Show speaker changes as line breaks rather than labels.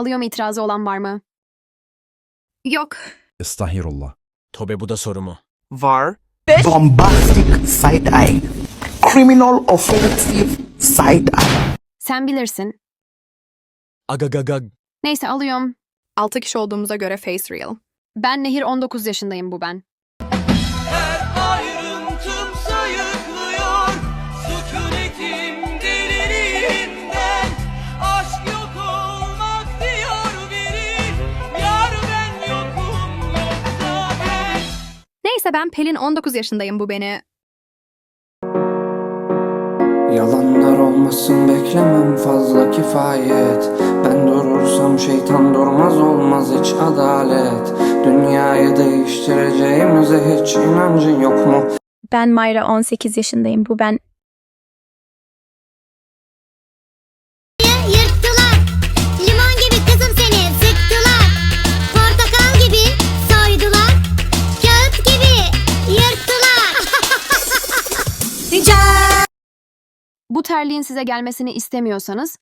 Alıyorum, itirazı olan var mı?
Yok.
Estağfirullah.
Tobe bu da soru mu?
Var.
Bombastic side-eye. Criminal offensive side-eye.
Sen bilirsin.
Agagagag.
Neyse, alıyorum.
6 kişi olduğumuza göre face real.
Ben Nehir, 19 yaşındayım, bu ben.
Ayrıntım sayıklıyor sükunetim deliliğinden. Aşk yok olmak diyor biri. Yar ben yokum yoksa ben.
Neyse, ben Pelin, 19 yaşındayım, bu beni.
Yalanlar olmasın, beklemem fazla kifayet. Ben durursam şeytan durmaz, olmaz hiç adalet. Dünyayı değiştireceğimize hiç inancın yok mu?
Ben Mayra, 18 yaşındayım, bu ben.
Yırttılar. Limon gibi kızım seni sıktılar. Portakal gibi soydular. Kağıt gibi yırttılar.
Bu terliğin size gelmesini istemiyorsanız